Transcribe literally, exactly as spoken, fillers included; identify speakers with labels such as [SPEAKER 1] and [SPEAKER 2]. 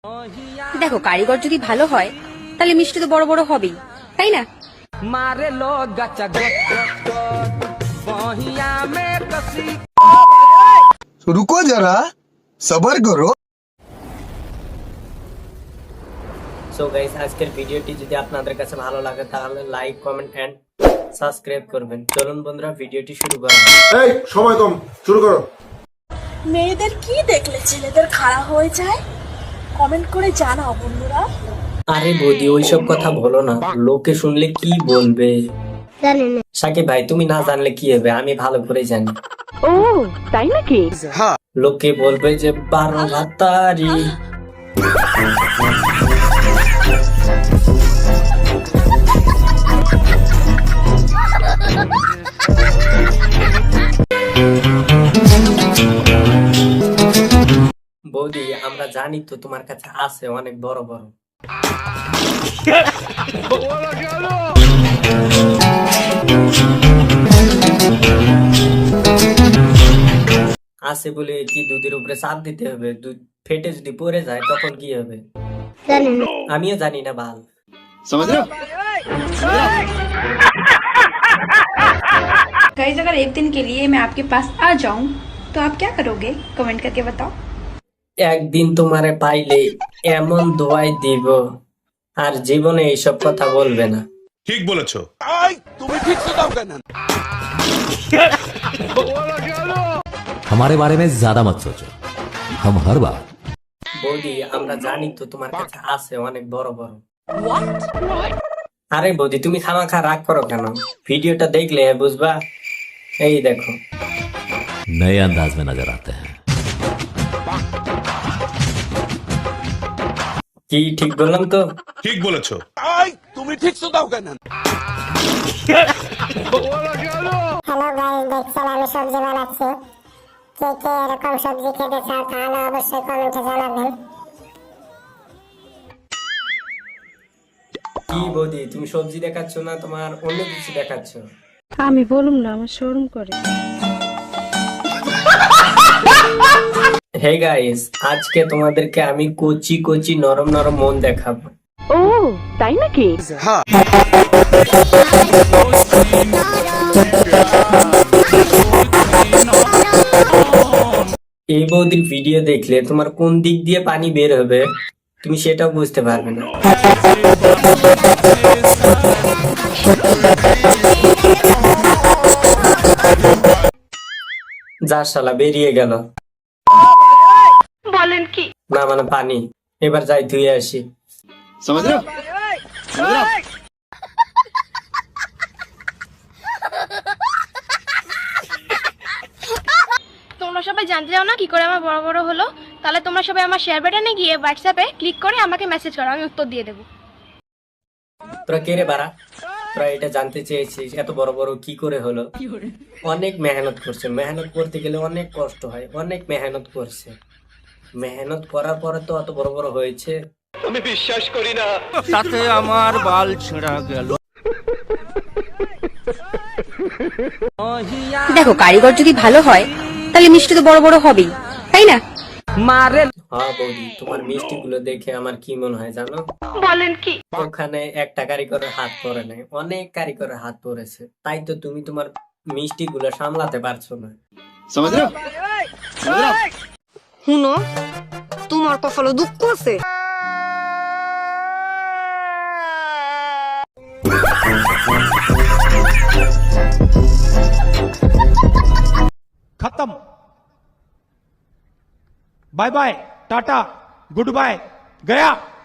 [SPEAKER 1] দেখো কারিগর যদি ভালো হয় তাহলে মিষ্টি তো বড় বড় হবেই, তাই না?
[SPEAKER 2] मारे लो गचा बहिया में कसी।
[SPEAKER 3] रुको जरा सबर करो।
[SPEAKER 4] সো গাইস, আজকের ভিডিওটি যদি আপনাদের কাছে ভালো লাগে তাহলে লাইক, কমেন্ট এন্ড সাবস্ক্রাইব করবেন। চলুন বন্ধুরা, ভিডিওটি শুরু করা যাক।
[SPEAKER 5] এই সময় কম, শুরু করো।
[SPEAKER 6] মেয়েদের কি দেখলে ছেলেদের খারাপ হয়ে যায়? কমেন্ট করে জানাও বন্ধুরা।
[SPEAKER 4] আরে বৌদি, ওইসব কথা বলো না, লোকে শুনলে কি বলবে। সাকিব ভাই, তুমি না জানলে কি হবে, আমি ভালো করে জানি।
[SPEAKER 1] ও তাই নাকি?
[SPEAKER 4] লোকে বলবে যে বারো ভাতারি। বৌদি, আমরা জানি তো তোমার কাছে আছে অনেক বড় বড়। আছে বলে কি দুধের উপরে চাপ দিতে হবে? দুধ ফেটে যদি পড়ে যায় তখন কি হবে? আমিও জানি না বাল।
[SPEAKER 1] गाइस, अगर एक दिन के लिए मैं आपके पास आ जाऊं तो आप क्या करोगे? कमेंट करके बताओ।
[SPEAKER 4] একদিন তোমারে পাইলে এমন দোয়াই দিব আর জীবনে এইসব কথা বলবে না।
[SPEAKER 7] ঠিক বলেছো।
[SPEAKER 8] हमारे बारे में ज्यादा मत सोचो, हम हर बार।
[SPEAKER 4] বৌদি, আমরা জানি তো তোমার কাছে আছে অনেক বড় বড়। আরে বৌদি, তুমি খামাখা রাগ করো কেন? ভিডিওটা দেখলে বুঝবা। এই দেখো,
[SPEAKER 8] नए अंदाज में नजर आते हैं।
[SPEAKER 4] কি ঠিক বললাম তো?
[SPEAKER 7] ঠিক বলেছো।
[SPEAKER 9] হ্যালো গাইস, দেখছেন আমি সবজি বানাচ্ছি। কে কে এরকম সবজি খেতে চাও তাহলে অবশ্যই কমেন্টে জানাবেন।
[SPEAKER 4] কি বৌদি, তুমি সবজি দেখাচ্ছ না, তোমার অন্য কিছু দেখাচ্ছ?
[SPEAKER 1] আমি বলুম না, আমার শরম করে।
[SPEAKER 4] হে গাইস, আজকে তোমাদেরকে আমি কচি কচি নরম নরম মন দেখাবো।
[SPEAKER 1] ও তাই নাকি?
[SPEAKER 4] এই বৌদির ভিডিও দেখলে তোমার কোন দিক দিয়ে পানি বের হবে তুমি সেটাও বুঝতে পারবে না। যা শালা, বেরিয়ে গেল।
[SPEAKER 1] বলেন কি?
[SPEAKER 4] না মানে পানি। এবার যাই ধুয়ে আসি।
[SPEAKER 10] তোমরা সবাই জানতে চাও না কি করে আমার বড় বড় হলো? তাহলে তোমরা সবাই আমার শেয়ার বাটনে গিয়ে হোয়াটসঅ্যাপে ক্লিক করে আমাকে মেসেজ করো, আমি উত্তর দিয়ে দেবো।
[SPEAKER 4] তোরা কে রে বাড়া? তোরা এটা জানতে চেয়েছিস এত বড় বড় কি করে হলো? অনেক মেহনত করছে। মেহনত করতে গেলে অনেক কষ্ট হয়। অনেক মেহনত করছে। মেহনত করার পরে তো অত বড় বড় হয়েছে।
[SPEAKER 2] আমি বিশ্বাস করি না। তাতে আমার বাল ছেঁড়া গেল।
[SPEAKER 1] দেখো কারিগর যদি ভালো হয় তাহলে মিষ্টি তো বড় বড় হবেই, তাই না?
[SPEAKER 2] मारे
[SPEAKER 4] হ্যাঁ বৌদি, তোমার মিষ্টি গুলো দেখে আমার কি মনে হয় জানো?
[SPEAKER 1] বলেন কি?
[SPEAKER 4] ওখানে একটা কারিগরের হাত পড়ে নাই, অনেক কারিগরের হাত পড়েছে। তাই তো তুমি তোমার মিষ্টি গুলো সামলাতে পারছো না।
[SPEAKER 6] হুনো, তোমার কপালে দুঃখ আছে।
[SPEAKER 11] खत्म। Bye bye, tata, goodbye, गया।